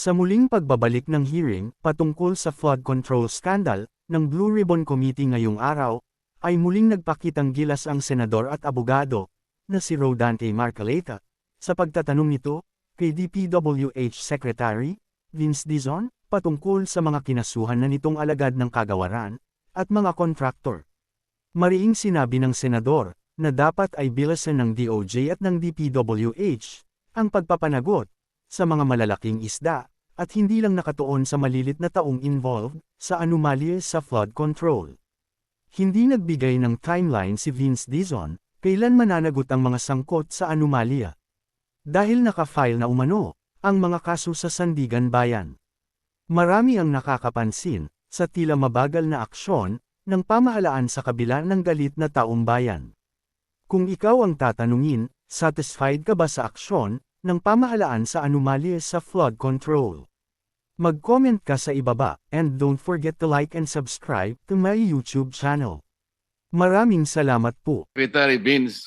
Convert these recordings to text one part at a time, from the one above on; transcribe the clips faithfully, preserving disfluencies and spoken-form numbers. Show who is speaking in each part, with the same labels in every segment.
Speaker 1: Sa muling pagbabalik ng hearing patungkol sa flood control scandal ng Blue Ribbon Committee ngayong araw, ay muling nagpakitang gilas ang senador at abogado na si Rodante Marcoleta sa pagtatanong nito kay D P W H Secretary Vince Dizon patungkol sa mga kinasuhan na nitong alagad ng kagawaran at mga kontraktor. Mariing sinabi ng senador na dapat ay bilasan ng D O J at ng D P W H ang pagpapanagot sa mga malalaking isda, at hindi lang nakatuon sa malilit na taong involved sa anomalye sa flood control. Hindi nagbigay ng timeline si Vince Dizon kailan mananagot ang mga sangkot sa anomalya. Dahil naka-file na umano ang mga kaso sa Sandigan Bayan. Marami ang nakakapansin sa tila mabagal na aksyon ng pamahalaan sa kabila ng galit na taong bayan. Kung ikaw ang tatanungin, satisfied ka ba sa aksyon ng pamahalaan sa anomalye sa flood control? Mag-comment ka sa ibaba, and don't forget to like and subscribe to my YouTube channel. Maraming salamat po.
Speaker 2: Secretary Vince,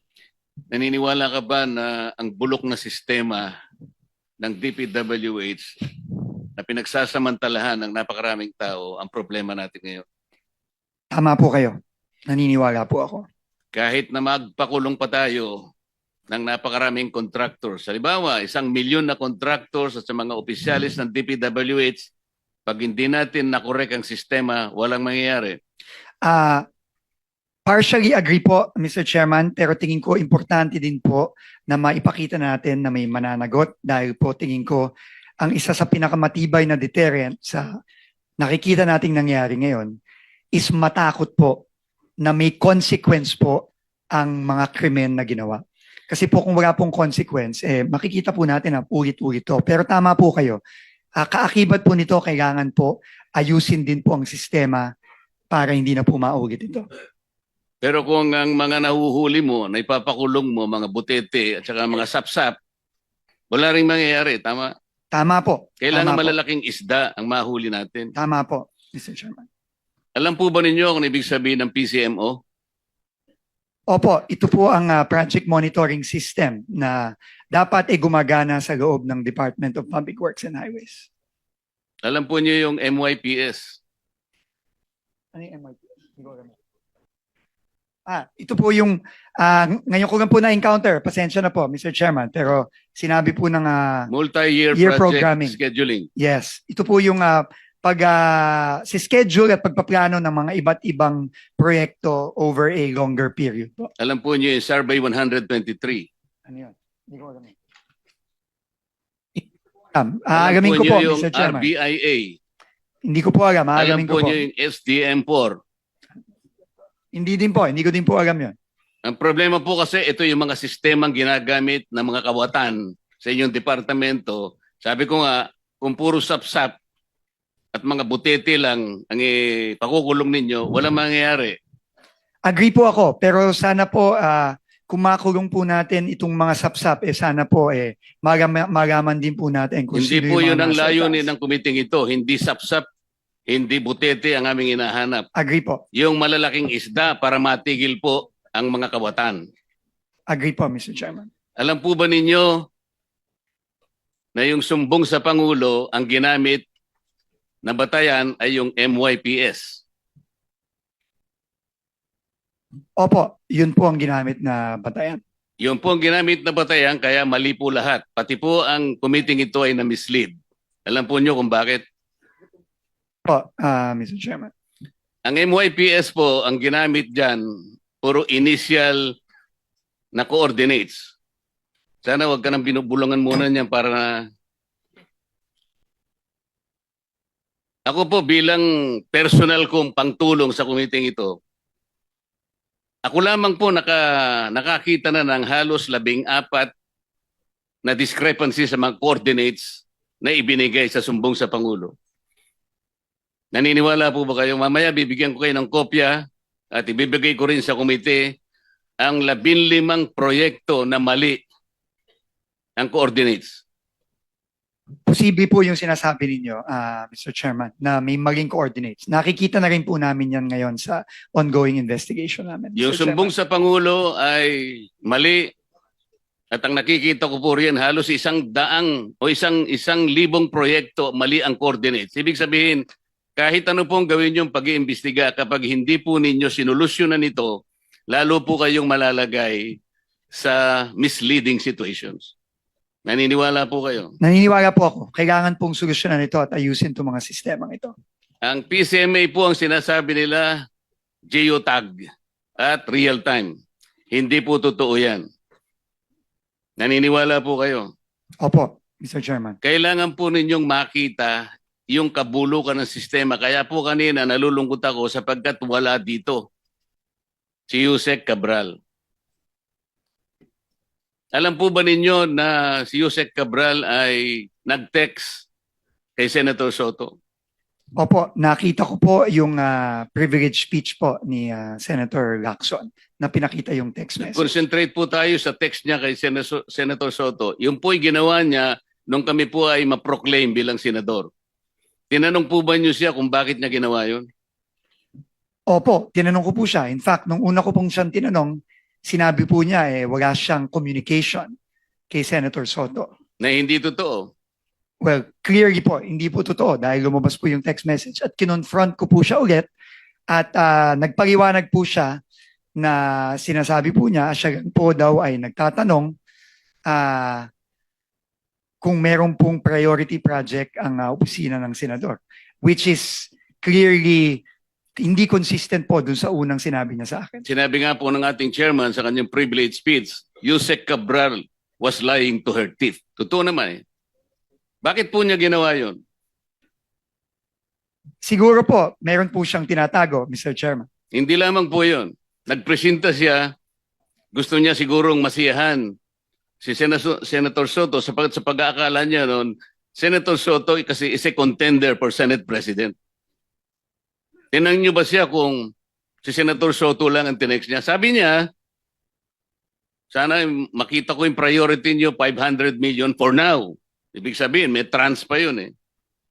Speaker 2: naniniwala ka ba na ang bulok na sistema ng D P W H na pinagsasamantalahan ng napakaraming tao ang problema natin ngayon?
Speaker 3: Tama po kayo. Naniniwala po ako.
Speaker 2: Kahit na magpakulong pa tayo ng napakaraming contractors. Halimbawa, isang milyon na contractors at sa mga opisyalis ng D P W H, pag hindi natin nakorek ang sistema, walang mangyayari.
Speaker 3: Ah, partially agree po, Mister Chairman, pero tingin ko importante din po na maipakita natin na may mananagot dahil po tingin ko ang isa sa pinakamatibay na deterrent sa nakikita nating nangyari ngayon is matakot po na may consequence po ang mga krimen na ginawa. Kasi po kung wala pong consequence, eh, makikita po natin na ulit-ulit to. Pero tama po kayo. Uh, kaakibat po nito, kailangan po ayusin din po ang sistema para hindi na po maulit ito.
Speaker 2: Pero kung ang mga nahuhuli mo, na ipapakulong mo, mga butete at saka mga sapsap, wala rin mangyayari. Tama?
Speaker 3: Tama po.
Speaker 2: Kailangan
Speaker 3: Tama
Speaker 2: malalaking po. Isda ang mahuli natin.
Speaker 3: Tama po, Mister Chairman.
Speaker 2: Alam po ba ninyo kung ibig sabihin ng P C M O?
Speaker 3: Opo, ito po ang uh, project monitoring system na dapat ay gumagana sa loob ng Department of Public Works and Highways.
Speaker 2: Alam po niyo yung M Y P S?
Speaker 3: Ano yung M Y P S? Ah, ito po yung, uh, ngayon ko lang po na-encounter, pasensya na po, Mister Chairman, pero sinabi po ng uh,
Speaker 2: Multi-year
Speaker 3: year
Speaker 2: project
Speaker 3: programming.
Speaker 2: scheduling.
Speaker 3: Yes, ito po yung uh, pag uh, si schedule at pagpaplano ng mga iba't ibang proyekto over a longer period po.
Speaker 2: Alam po niyo yung Survey one twenty-three.
Speaker 3: Ano yun? Hindi ko alam. Um, aalamin ko po,
Speaker 2: yung
Speaker 3: Mister Chairman.
Speaker 2: R B I A.
Speaker 3: Hindi ko po alam.
Speaker 2: Alam
Speaker 3: Aalamin
Speaker 2: po
Speaker 3: ko po.
Speaker 2: niyo yung S D M four.
Speaker 3: Hindi din po. Hindi ko din po alam yun.
Speaker 2: Ang problema po kasi ito yung mga sistemang ginagamit ng mga kawatan sa inyong departamento. Sabi ko nga, kung puro sapsap at mga butete lang ang ipakukulong ninyo, walang mangyayari.
Speaker 3: Agree po ako. Pero sana po, uh, kung makulong po natin itong mga sapsap, eh sana po eh, magam magaman din po natin kung
Speaker 2: Hindi
Speaker 3: sino
Speaker 2: po
Speaker 3: yung
Speaker 2: yun
Speaker 3: mga
Speaker 2: ang
Speaker 3: nasa
Speaker 2: layunin
Speaker 3: taas.
Speaker 2: ng kumiting ito. Hindi sapsap, hindi butete ang aming hinahanap.
Speaker 3: Agree po.
Speaker 2: Yung malalaking isda para matigil po ang mga kawatan.
Speaker 3: Agree po, Mister Chairman.
Speaker 2: Alam po ba ninyo na yung sumbong sa Pangulo ang ginamit na batayan ay yung M Y P S?
Speaker 3: Opo, yun po ang ginamit na batayan.
Speaker 2: Yun po ang ginamit na batayan, kaya mali po lahat. Pati po ang committee ito ay na-mislead. Alam po nyo kung bakit?
Speaker 3: Po, uh, Mister Chairman.
Speaker 2: Ang M Y P S po, ang ginamit dyan, puro initial na coordinates. Sana wag ka nang binubulungan muna niyan para na... Ako po bilang personal kong pangtulong sa committee ito, ako lamang po naka, nakakita na ng halos labing apat na discrepancy sa mga coordinates na ibinigay sa sumbong sa Pangulo. Naniniwala po ba kayo? Mamaya bibigyan ko kayo ng kopya at ibibigay ko rin sa komite ang labinlimang proyekto na mali ang coordinates.
Speaker 3: Posible po yung sinasabi ninyo, uh, Mister Chairman, na may maling coordinates. Nakikita na rin po namin yan ngayon sa ongoing investigation namin.
Speaker 2: Yung
Speaker 3: Mister
Speaker 2: sumbong
Speaker 3: Chairman.
Speaker 2: sa Pangulo ay mali At ang nakikita ko po riyan, halos isang daang o isang isang libong proyekto mali ang coordinates. Ibig sabihin, kahit ano pong gawin yung pag-iimbestiga, kapag hindi po ninyo sinolusyonan ito, lalo po kayong malalagay sa misleading situations. Naniniwala po kayo?
Speaker 3: Naniniwala po ako, kailangan pong solusyonan ito at ayusin itong mga sistemang ito.
Speaker 2: Ang P C M A po ang sinasabi nila, geotag at real time. Hindi po totoo yan. Naniniwala po kayo?
Speaker 3: Opo, Mister Chairman.
Speaker 2: Kailangan po ninyong makita yung kabulukan ng sistema. Kaya po kanina nalulungkot ako sapagkat wala dito si Yusek Cabral. Alam po ba ninyo na si Yusek Cabral ay nag-text kay Senator Soto?
Speaker 3: Opo, nakita ko po yung ah, privilege speech po ni ah, Senator Lacson na pinakita yung text message.
Speaker 2: Concentrate po tayo sa text niya kay Sen- Senator Soto. Yung po'y ginawa niya nung kami po ay ma-proclaim bilang senador. Tinanong po ba niyo siya kung bakit niya ginawa yun?
Speaker 3: Opo, tinanong ko po siya. In fact, nung una ko pong siyang tinanong, sinabi po niya eh wala siyang communication kay Senator Soto.
Speaker 2: Na hindi totoo.
Speaker 3: Well, clearly po, hindi po totoo dahil lumabas po yung text message at kinonfront ko po siya ulit at ah, nagpaliwanag po siya na sinasabi po niya, siya po daw ay nagtatanong ah, kung meron pong priority project ang ah, opisina ng senador, which is clearly hindi consistent po dun sa unang sinabi niya sa akin.
Speaker 2: Sinabi nga po ng ating chairman sa kanyang privilege speech, Yusek Cabral was lying to her teeth. Totoo naman eh. Bakit po niya ginawa yun?
Speaker 3: Siguro po, meron po siyang tinatago, Mister Chairman.
Speaker 2: Hindi lamang po yun. Nagpresenta siya, gusto niya sigurong masiyahan si Senator, Senator Soto sapagkat sa pag-aakala niya noon, Senator Soto kasi is a contender for Senate President. Tinanong niyo ba siya kung si Senator Soto lang ang tinext niya? Sabi niya, sana makita ko yung priority niyo, five hundred million for now. Ibig sabihin, may trans pa yun eh.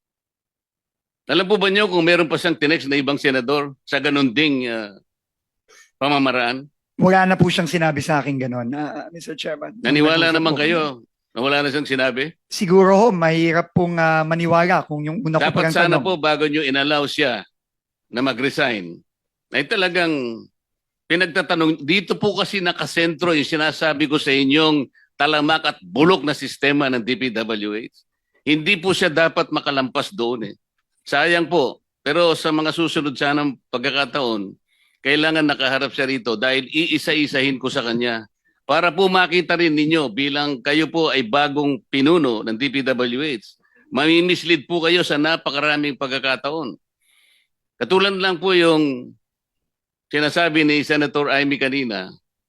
Speaker 2: Alam po ba niyo kung meron pa siyang tinext na ibang senador sa ganun ding uh, pamamaraan?
Speaker 3: Wala na po siyang sinabi sa akin ganun, ah, Mister Chairman.
Speaker 2: Naniwala
Speaker 3: Nag-usap
Speaker 2: naman
Speaker 3: po
Speaker 2: kayo
Speaker 3: kami.
Speaker 2: na wala na siyang sinabi?
Speaker 3: Siguro ho, mahirap pong ah, maniwala kung yung una ko
Speaker 2: Dapat
Speaker 3: parang
Speaker 2: sana
Speaker 3: tanong.
Speaker 2: po bago niyo inallow siya na mag-resign, ay talagang pinagtatanong, dito po kasi nakasentro yung sinasabi ko sa inyong talamak at bulok na sistema ng D P W H. Hindi po siya dapat makalampas doon eh. Sayang po. Pero sa mga susunod sanang pagkakataon, kailangan nakaharap siya rito dahil iisa-isahin ko sa kanya para po makita rin ninyo bilang kayo po ay bagong pinuno ng D P W H. Mamimislead po kayo sa napakaraming pagkakataon. Katulad lang po yung sinasabi ni Senator Amy kanina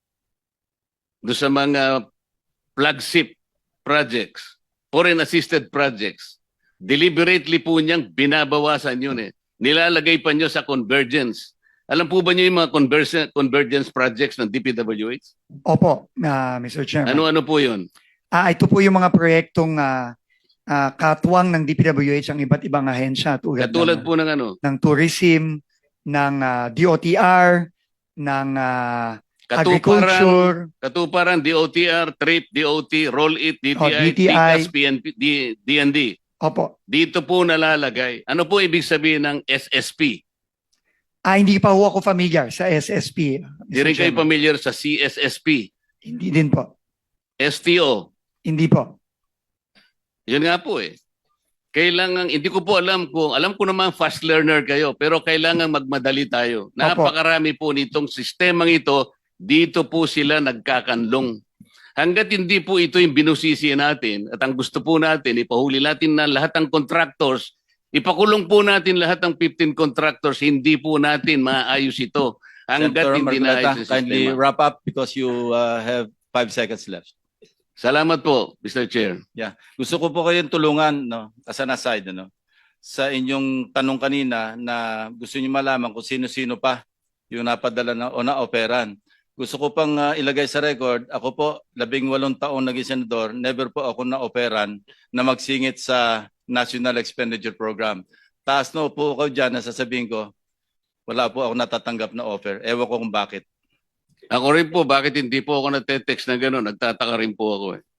Speaker 2: doon sa mga flagship projects, foreign assisted projects. Deliberately po niyang binabawasan yun eh. Nilalagay pa niyo sa convergence. Alam po ba niyo yung mga convergence, convergence projects ng D P W H?
Speaker 3: Opo, ah, Mister Chairman.
Speaker 2: Ano-ano po yun?
Speaker 3: Ah, ito po yung mga proyektong ah, ah, katuwang ng D P W H ang iba't ibang ahensya tulad,
Speaker 2: Katulad
Speaker 3: ng,
Speaker 2: po ng ano?
Speaker 3: ng tourism, ng ah, D O T R, ng ah,
Speaker 2: Katuparan,
Speaker 3: agriculture.
Speaker 2: Katuparan, D O T R, TRIP, D O T, Roll It, D T I,
Speaker 3: Oh, D T I.
Speaker 2: TICAS, P N P, D- DND.
Speaker 3: Opo.
Speaker 2: Dito po nalalagay. Ano po ibig sabihin ng S S P?
Speaker 3: Ah, hindi pa ho ako familiar sa S S P.
Speaker 2: Di rin kayo familiar sa C S S P,
Speaker 3: Hindi din po.
Speaker 2: S T O.
Speaker 3: Hindi po.
Speaker 2: Yun nga po eh. Kailangan, hindi ko po alam kung, alam ko naman fast learner kayo, pero kailangan magmadali tayo. Napakarami po nitong sistemang ito, dito po sila nagkakanlong. Hanggat hindi po ito yung binusisi natin at ang gusto po natin, ipahuli natin na lahat ng contractors, ipakulong po natin lahat ng fifteen contractors, hindi po natin maayos ito. Hanggat
Speaker 4: Senator
Speaker 2: hindi
Speaker 4: Marcoleta,
Speaker 2: naayos yung
Speaker 4: kindly
Speaker 2: sistema.
Speaker 4: wrap up because you uh, have five seconds left.
Speaker 2: Salamat po, Mister Chair.
Speaker 4: Gusto ko po kayong tulungan, no, as an aside, no, sa inyong tanong kanina na gusto niyo malaman kung sino-sino pa yung napadala na, o na-operan. Gusto ko pang uh, ilagay sa record, ako po, labing walong taon naging senador, never po ako na-operan na magsingit sa National Expenditure Program. Taas na po ako dyan na sasabihin ko, wala po ako natatanggap na offer. Ewan ko kung bakit.
Speaker 2: Ako rin po, bakit hindi po ako nagte-text na gano'n? Nagtataka rin po ako eh.